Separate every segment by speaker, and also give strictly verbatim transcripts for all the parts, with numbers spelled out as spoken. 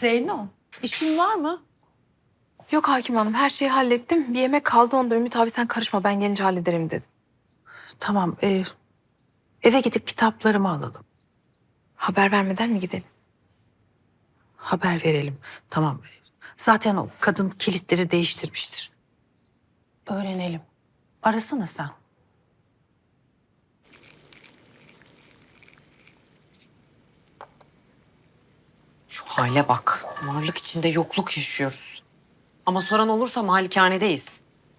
Speaker 1: Zeyno, işin var mı?
Speaker 2: Yok hakim hanım, her şeyi hallettim. Bir yemek kaldı, onda Ümit abi sen karışma, ben gelince hallederim dedi.
Speaker 1: Tamam, e, eve gidip kitaplarımı alalım.
Speaker 2: Haber vermeden mi gidelim?
Speaker 1: Haber verelim. Tamam. Zaten o kadın kilitleri değiştirmiştir. Öğrenelim. Arasana sen.
Speaker 3: Şu hale bak. Varlık içinde yokluk yaşıyoruz. Ama soran olursa malikanedeyiz.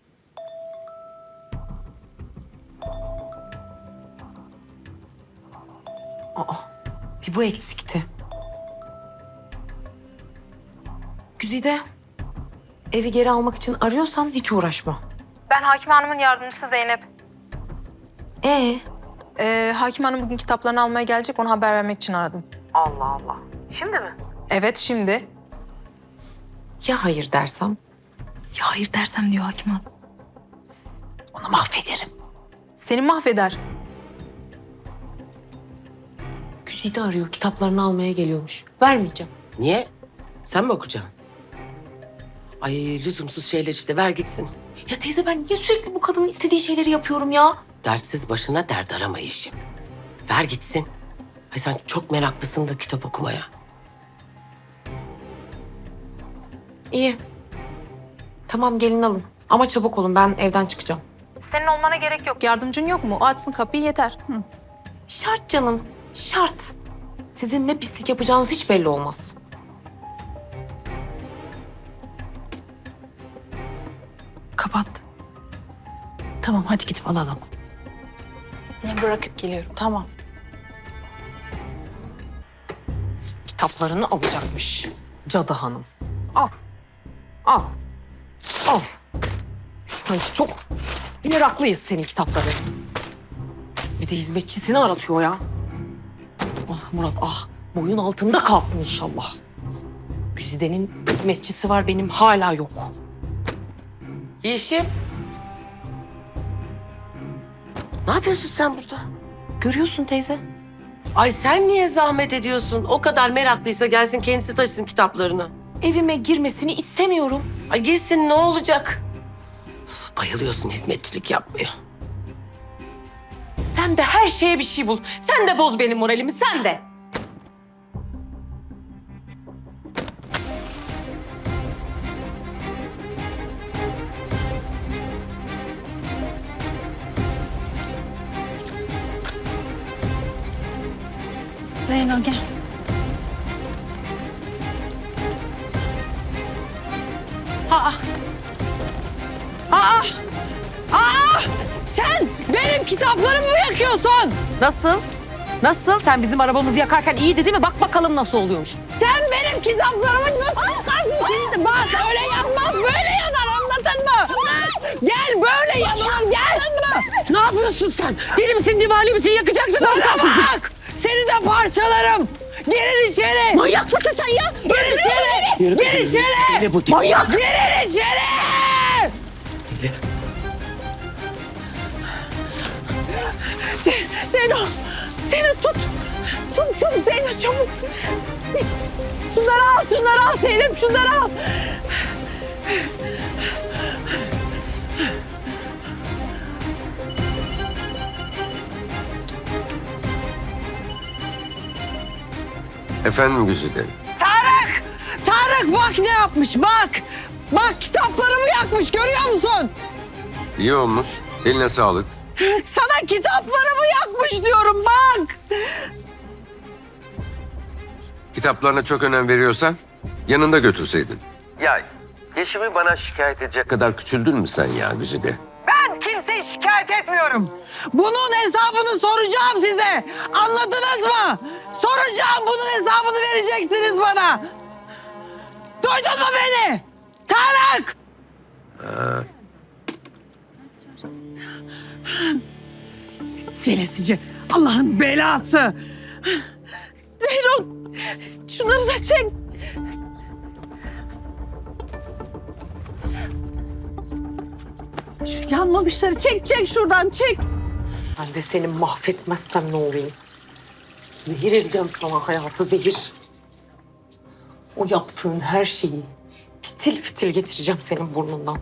Speaker 3: Aa, bir bu eksikti. Güzide, evi geri almak için arıyorsan hiç uğraşma.
Speaker 2: Ben hakim hanımın yardımcısı Zeynep.
Speaker 3: Ee?
Speaker 2: Ee, hakim hanım bugün kitaplarını almaya gelecek, onu haber vermek için aradım.
Speaker 3: Allah Allah. Şimdi mi?
Speaker 2: Evet, şimdi.
Speaker 3: Ya hayır dersem?
Speaker 2: Ya hayır dersem diyor hakim hanım.
Speaker 1: Onu mahvederim.
Speaker 2: Seni mahveder.
Speaker 3: Güzide arıyor, kitaplarını almaya geliyormuş. Vermeyeceğim.
Speaker 4: Niye? Sen mi okuyacaksın? Ay lüzumsuz şeyler işte, ver gitsin.
Speaker 3: Ya teyze ben niye sürekli bu kadının istediği şeyleri yapıyorum ya?
Speaker 4: Dertsiz başına dert arama Yeşim. Ver gitsin. Ay sen çok meraklısın da kitap okumaya.
Speaker 3: İyi. Tamam gelin alın. Ama çabuk olun, ben evden çıkacağım.
Speaker 2: Senin olmana gerek yok. Yardımcın yok mu? O açsın kapıyı, yeter. Hı.
Speaker 3: Şart canım, şart. Sizin ne pislik yapacağınız hiç belli olmaz.
Speaker 1: Kapat. Tamam, hadi gidip alalım.
Speaker 2: Ben bırakıp geliyorum.
Speaker 1: Tamam.
Speaker 3: Kitaplarını alacakmış cadı hanım. Al. Al. Al. Sanki çok meraklıyız senin kitapları. Bir de hizmetçisini aratıyor ya. Ah Murat ah. Boyun altında kalsın inşallah. Güzide'nin hizmetçisi var, benim hala yok.
Speaker 4: Yeşim. Ne yapıyorsun sen burada?
Speaker 3: Görüyorsun teyze.
Speaker 4: Ay sen niye zahmet ediyorsun? O kadar meraklıysa gelsin kendisi taşısın kitaplarını.
Speaker 3: Evime girmesini istemiyorum.
Speaker 4: Ay girsin, ne olacak? Üf, bayılıyorsun hizmetçilik yapmaya.
Speaker 3: Sen de her şeye bir şey bul. Sen de boz benim moralimi, sen de.
Speaker 1: Zeyno gel.
Speaker 5: Sen benim kitaplarımı mı yakıyorsun?
Speaker 3: Nasıl? Nasıl? Sen bizim arabamızı yakarken iyiydi değil mi? Bak bakalım nasıl oluyormuş.
Speaker 5: Sen benim kitaplarımı nasıl yakarsın? Seni de bak öyle yanmaz, böyle yanar, anladın mı? Gel böyle yanılır, gel. Ne yapıyorsun sen? Deli misin, divali misin? Yakacaksın az kalsın. Bak seni de parçalarım. Girin içeri. Manyak mısın sen ya? Gir içeri. Gir içeri. Manyak. Girin içeri. Zeyno, Zeyno tut. Çabuk çabuk Zeyno çabuk. Şunları al, şunları al Zeynep, şunları al.
Speaker 6: Efendim Güzide?
Speaker 5: Tarık! Tarık bak ne yapmış bak. Bak kitaplarımı yakmış, görüyor musun?
Speaker 6: İyi olmuş. Eline sağlık.
Speaker 5: Sana kitaplarımı yakmış diyorum bak.
Speaker 6: Kitaplarına çok önem veriyorsan yanında götürseydin. Ya Yeşim'i bana şikayet edecek kadar küçüldün mü sen ya Güzide?
Speaker 5: Ben kimseyi şikayet etmiyorum. Bunun hesabını soracağım size. Anladınız mı? Soracağım, bunun hesabını vereceksiniz bana. Duydun mu beni? Tarık! Celesici, Allah'ın belası. Zeyno, şunları da çek. Şu yanmamışları çek, çek şuradan, çek.
Speaker 3: Ben de seni mahvetmezsem ne olayım? Zehir edeceğim sana hayatı, zehir. O yaptığın her şeyi fitil fitil getireceğim senin burnundan.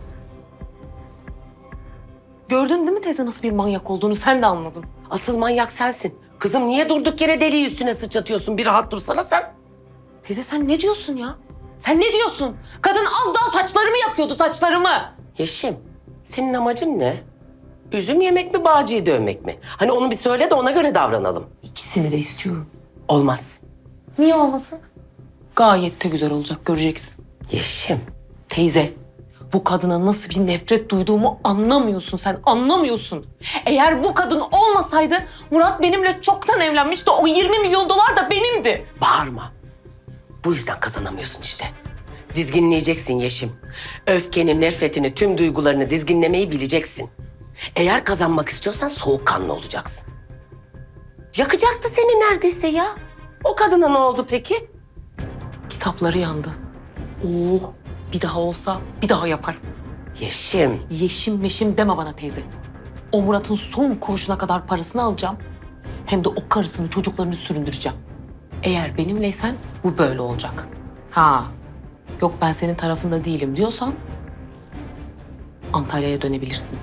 Speaker 3: Gördün değil mi teyze nasıl bir manyak olduğunu sen de anladın.
Speaker 4: Asıl manyak sensin. Kızım niye durduk yere deliği üstüne sıçratıyorsun? Bir rahat dursana sen.
Speaker 3: Teyze sen ne diyorsun ya? Sen ne diyorsun? Kadın az daha saçlarımı yakıyordu, saçlarımı.
Speaker 4: Yeşim, senin amacın ne? Üzüm yemek mi, Bağcı'yı dövmek mi? Hani onu bir söyle de ona göre davranalım.
Speaker 3: İkisini de istiyorum.
Speaker 4: Olmaz.
Speaker 3: Niye olmasın? Gayet de güzel olacak, göreceksin.
Speaker 4: Yeşim,
Speaker 3: Teyze, bu kadına nasıl bir nefret duyduğumu anlamıyorsun sen, anlamıyorsun. Eğer bu kadın olmasaydı Murat benimle çoktan evlenmişti. O yirmi milyon dolar da benimdi.
Speaker 4: bağırma. Bu yüzden kazanamıyorsun işte. Dizginleyeceksin Yeşim. Öfkenin, nefretini, tüm duygularını dizginlemeyi bileceksin. Eğer kazanmak istiyorsan soğukkanlı olacaksın. Yakacaktı seni neredeyse ya. O kadına ne oldu peki?
Speaker 3: Kitapları yandı. Oh, bir daha olsa bir daha yaparım.
Speaker 4: Yeşim,
Speaker 3: Yeşim meşim deme bana teyze. O Murat'ın son kuruşuna kadar parasını alacağım. Hem de o karısını, çocuklarını süründüreceğim. Eğer benimleysen bu böyle olacak. Ha, yok ben senin tarafında değilim diyorsan Antalya'ya dönebilirsin.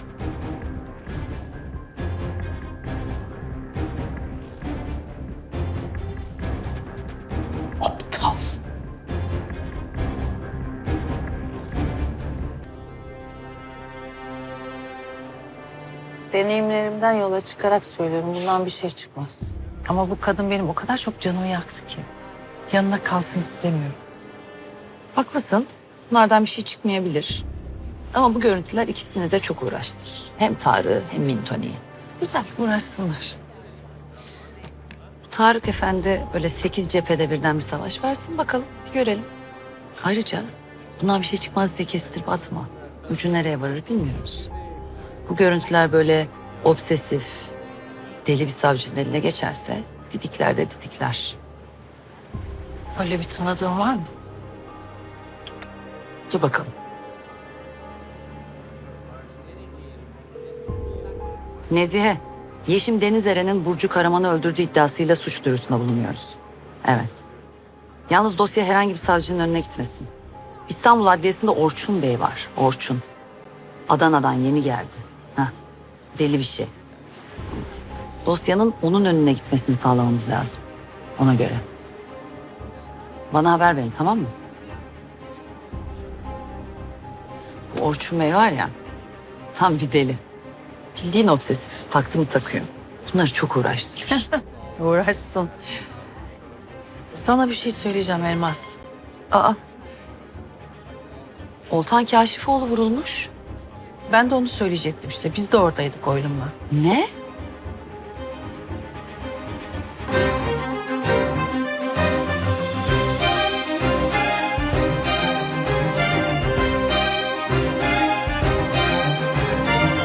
Speaker 4: aptal.
Speaker 1: Deneyimlerimden yola çıkarak söylüyorum. Bundan bir şey çıkmaz. Ama bu kadın benim o kadar çok canımı yaktı ki. Yanına kalsın istemiyorum.
Speaker 7: Haklısın. Bunlardan bir şey çıkmayabilir. Ama bu görüntüler ikisini de çok uğraştırır. Hem Tarık'ı hem Mintoni'yi.
Speaker 1: Güzel, uğraşsınlar.
Speaker 7: Bu Tarık Efendi böyle sekiz cephede birden bir savaş versin bakalım. Bir görelim. Ayrıca bundan bir şey çıkmaz diye kestirip atma. Ucu nereye varır bilmiyoruz. Bu görüntüler böyle obsesif, deli bir savcının eline geçerse didikler de didikler.
Speaker 1: Öyle bir tanıdığın var mı?
Speaker 7: Dur bakalım. Nezihe, Yeşim Denizeren'in Burcu Karaman'ı öldürdüğü iddiasıyla suç duyurusunda bulunuyoruz. Evet. Yalnız dosya herhangi bir savcının önüne gitmesin. İstanbul Adliyesi'nde Orçun Bey var. Orçun. Adana'dan yeni geldi. Heh. Deli bir şey. Dosyanın onun önüne gitmesini sağlamamız lazım. Ona göre. Bana haber verin, tamam mı? Bu Orçun Bey var ya, tam bir deli. Bildiğin obsesif, taktı mı takıyor. Bunları çok uğraştırır.
Speaker 1: Uğraşsın. Sana bir şey söyleyeceğim Elmas.
Speaker 7: Aa, Oltan Kaşifoğlu vurulmuş.
Speaker 1: Ben de onu söyleyecektim işte. Biz de oradaydık oylumla.
Speaker 7: Ne?